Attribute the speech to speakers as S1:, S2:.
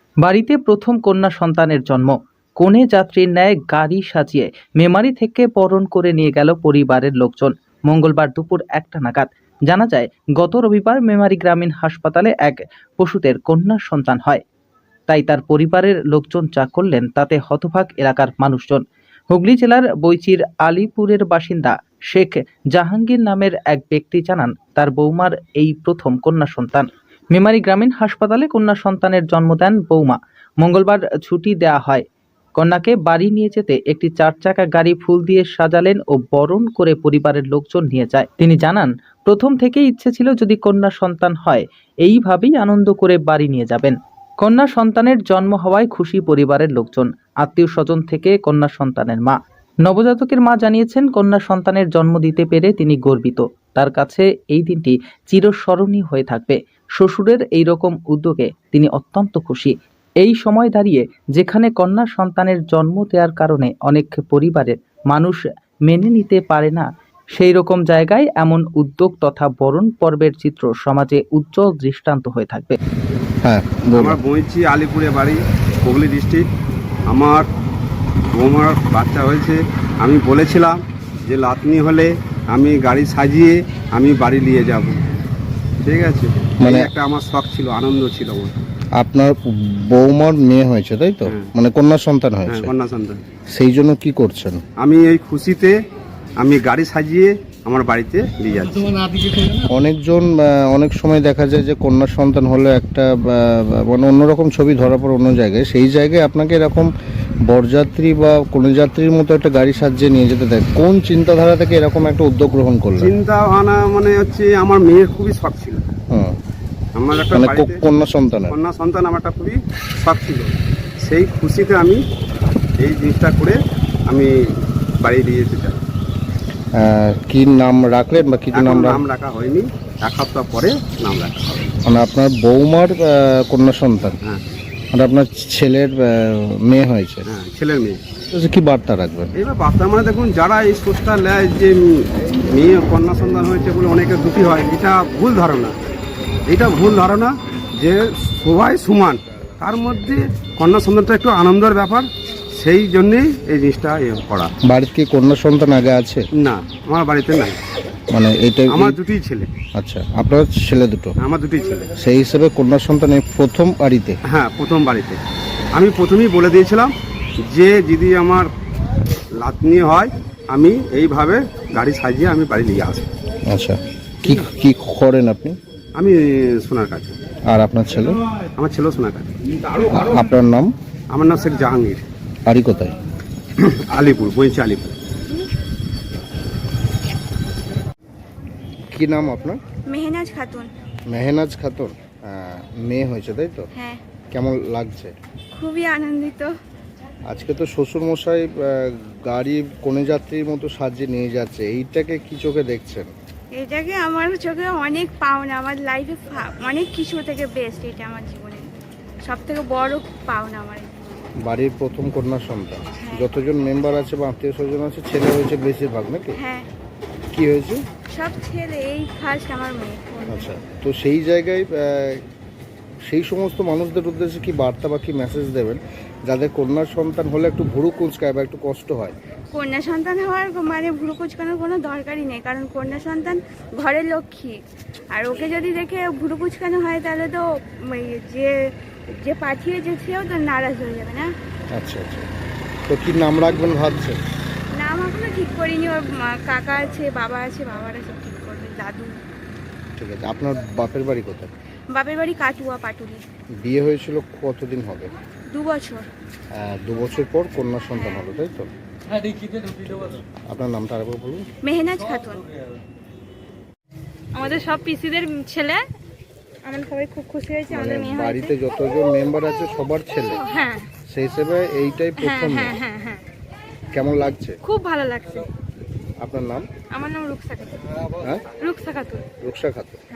S1: বাড়িতে প্রথম কন্যা সন্তানের জন্ম। কনে যাত্রীর ন্যায় গাড়ি সাজিয়ে মেমারি থেকে বরণ করে নিয়ে গেল পরিবারের লোকজন। মঙ্গলবার দুপুর 1টা নাগাদ জানা যায়, গত রবিবার মেমারি গ্রামীণ হাসপাতালে এক পশুদের কন্যা সন্তান হয়। তাই তার পরিবারের লোকজন যা করলেন তাতে হতবাক এলাকার মানুষজন। হুগলি জেলার বৈচির আলিপুরের বাসিন্দা শেখ জাহাঙ্গীর নামের এক ব্যক্তি জানান, তার বৌমার এই প্রথম কন্যা সন্তান। মেমারি গ্রামীণ হাসপাতালে কন্যা সন্তানের জন্ম দেন বৌমা। মঙ্গলবার ছুটি দেয়া হয়। কন্যাকে বাড়ি নিয়ে যেতে একটি 4 চাকা গাড়ি ফুল দিয়ে সাজালেন ও বরণ করে পরিবারের লোকজন নিয়ে যায়। তিনি জানান, প্রথম থেকেই ইচ্ছে ছিল যদি কন্যা সন্তান হয় এইভাবেই আনন্দ করে বাড়ি নিয়ে যাবেন। কন্যা সন্তানের জন্ম হওয়ায় খুশি পরিবারের লোকজন, আত্মীয় স্বজন থেকে কন্যা সন্তানের মা। নবজাতকের মা জানিয়েছেন, কন্যা সন্তানের জন্ম দিতে পেরে তিনি গর্বিত। তার কাছে এই দিনটি চিরস্মরণীয় হয়ে থাকবে। শ্বশুরের এই রকম উদ্যোগে তিনি অত্যন্ত খুশি। এই সময় দাঁড়িয়ে যেখানে কন্যা সন্তানের জন্ম দেওয়ার কারণে অনেক পরিবারের মানুষ মেনে নিতে পারে না, সেই রকম জায়গায় এমন উদ্যোগ তথা বরণ পর্বের চিত্র সমাজে উজ্জ্বল দৃষ্টান্ত হয়ে থাকবে।
S2: হ্যাঁ,
S3: আমার বইছি আলিপুরে বাড়ি, হুগলি ডিস্ট্রিক্ট। আমার বৌমার বাচ্চা হয়েছে। আমি বলেছিলাম যে লাতনি হলে আমি গাড়ি সাজিয়ে আমি বাড়ি নিয়ে যাব, ঠিক আছে। মানে একটা আমার শখ ছিল, আনন্দ ছিল আমার।
S2: আপনার বৌমার মেয়ে হয়েছে তাই তো?
S3: হ্যাঁ।
S2: মানে কন্যা সন্তান হয়েছে।
S3: হ্যাঁ, কন্যা সন্তান।
S2: সেই জন্য কি করছেন?
S3: আমি এই খুশিতে আমি গাড়ি সাজিয়ে আমার বাড়িতে নিয়ে যাচ্ছি।
S2: অনেকজন অনেক সময় দেখা যায় যে কন্যা সন্তান হলে একটা মানে অন্যরকম ছবি ধরা পড়ে অন্য জায়গায়, সেই জায়গায় আপনাকে এরকম বরযাত্রী বা কন্যাযাত্রীর মতো একটা গাড়ি সাজিয়ে নিয়ে যেতে দেয়। কোন চিন্তাধারা থেকে এরকম একটা উদ্যোগ গ্রহণ করলেন?
S3: চিন্তা ভাবনা মানে হচ্ছে আমার মেয়ের খুবই শখ ছিল।
S2: হ্যাঁ,
S3: আমার একটা
S2: মানে
S3: বাড়িতে
S2: কন্যা সন্তান
S3: আমার একটা খুবই শখ ছিল। সেই খুশিতে আমি এই জিনিসটা করে আমি বাড়ি দিয়ে যেতে চাই।
S2: কি নাম রাখলেন বা কিছু
S3: নাম
S2: নাম
S3: রাখা হয়নি, 1 সপ্তাহ পরে নাম রাখা হবে।
S2: মানে আপনার বৌমার কন্যা সন্তান,
S3: হ্যাঁ
S2: মানে আপনার ছেলের মেয়ে হয়েছে।
S3: হ্যাঁ, ছেলের মেয়ে।
S2: কি বার্তা রাখবেন?
S3: এবার বার্তা মানে দেখুন, যারা এই সোচটা নেয় যে মেয়ে কন্যা সন্তান হয়েছে বলে অনেকে দুঃখী হয়, এটা ভুল ধারণা। এটা ভুল ধারণা যে সবাই সমান, তার মধ্যে কন্যা সন্তানটা একটু আনন্দের ব্যাপার, সেই জন্যেই এই জিনিসটা করা।
S2: বাড়িতে কি কন্যা সন্তান আগে আছে?
S3: না, আমার বাড়িতে নাই।
S2: মানে এটা
S3: আমার দুটিই ছেলে।
S2: আচ্ছা, আপনার ছেলে দুটো?
S3: আমার দুটিই ছেলে।
S2: সেই হিসেবে কন্যা সন্তান এই প্রথম বাড়িতে?
S3: হ্যাঁ, প্রথম বাড়িতে। আমি প্রথমেই বলে দিয়েছিলাম যে যদি আমার লাতনি হয় আমি এইভাবে গাড়ি সাজিয়ে আমি বাড়ি নিয়ে আসবো।
S2: আচ্ছা, কি কি করেন আপনি?
S3: আমি সোনার কাজ।
S2: আর আপনার ছেলে?
S3: আমার ছেলেও সোনার কাজ।
S2: আপনার নাম?
S3: আমার নাম শেখ জাহাঙ্গীর।
S2: বাড়ি কোথায়?
S3: আলিপুর, বইছি আলিপুর।
S2: কি নাম আপনার?
S4: মেহনাজ খাতুন।
S2: মেহনাজ খাতুন। মেয়ে হয়েছে তাই তো?
S4: হ্যাঁ,
S2: কেমন লাগছে?
S4: খুবই আনন্দিত।
S2: আজকে তো শ্বশুর মশাই গাড়ি কনে যাত্রীর মতো সাজিয়ে নিয়ে যাচ্ছে, এইটাকে কি চোখে দেখছেন?
S4: এটাকে আমার চোখে অনেক পাওনা, আমার লাইফে অনেক কিছু থেকে বেস্ট। এটা আমার জীবনে সব থেকে বড় পাওনা আমার।
S2: বাড়ির প্রথম কন্যা সন্তান।
S4: হ্যাঁ।
S2: যতজন মেম্বার আছে বা আত্মীয় স্বজন আছে, ছেলে হয়েছে বেশিরভাগ নাকি?
S4: হ্যাঁ,
S2: কি হয়েছে?
S4: সব ছেলে, এই ফার্স্ট আমার মেয়ে।
S2: আচ্ছা, তো সেই জায়গায় সেই সমস্ত মানুষদের উদ্দেশ্যে কি বার্তা বা কি মেসেজ দেবেন যাদের কন্যার সন্তান হলে একটু ভুরু কুঁচকায় বা একটু কষ্ট হয়?
S4: কন্যা সন্তান হওয়ার মানে ভুরু কুচকানোর কোনো দরকারই নেই, কারণ কন্যা সন্তান ঘরের লক্ষ্মী। আর ওকে যদি দেখে ভুরু কুচকানো হয় তাহলে তো যে যে পাঠিয়েছে সেও তো নারাজ হয়ে যাবে না।
S2: আচ্ছা আচ্ছা, তো কি নাম রাখবেন ভাবছেন?
S4: নাম এখনো ঠিক করিনি। ওর কাকা আছে, বাবা আছে, বাবারা সব ঠিক করবে, দাদু।
S2: ঠিক আছে, আপনার বাপের বাড়ি কোথায়?
S4: বাপের বাড়ি কাটুয়া, পাটুলি।
S2: বিয়ে হয়েছিল কতদিন হবে?
S4: 2 বছর।
S2: 2 বছর পর কন্যা সন্তান হলো তাই তো? আপনার নামটা আরেকবার বলুন।
S4: মেহনাজ খাতুন। আমাদের সব পিসিদের ছেলে, আমরা সবাই খুব খুশি হয়েছি আমাদের মেয়ে হয়েছে।
S2: বাড়িতে যতজন মেম্বার আছে সবার ছেলে?
S4: হ্যাঁ,
S2: সেই হিসেবে এইটাই প্রথম।
S4: হ্যাঁ হ্যাঁ হ্যাঁ,
S2: কেমন লাগছে?
S4: খুব ভালো লাগছে।
S2: আপনার নাম?
S4: আমার নাম রুকসা খাতুন।
S2: হ্যাঁ,
S4: রুকসা খাতুন।
S2: রুকসা খাতুন।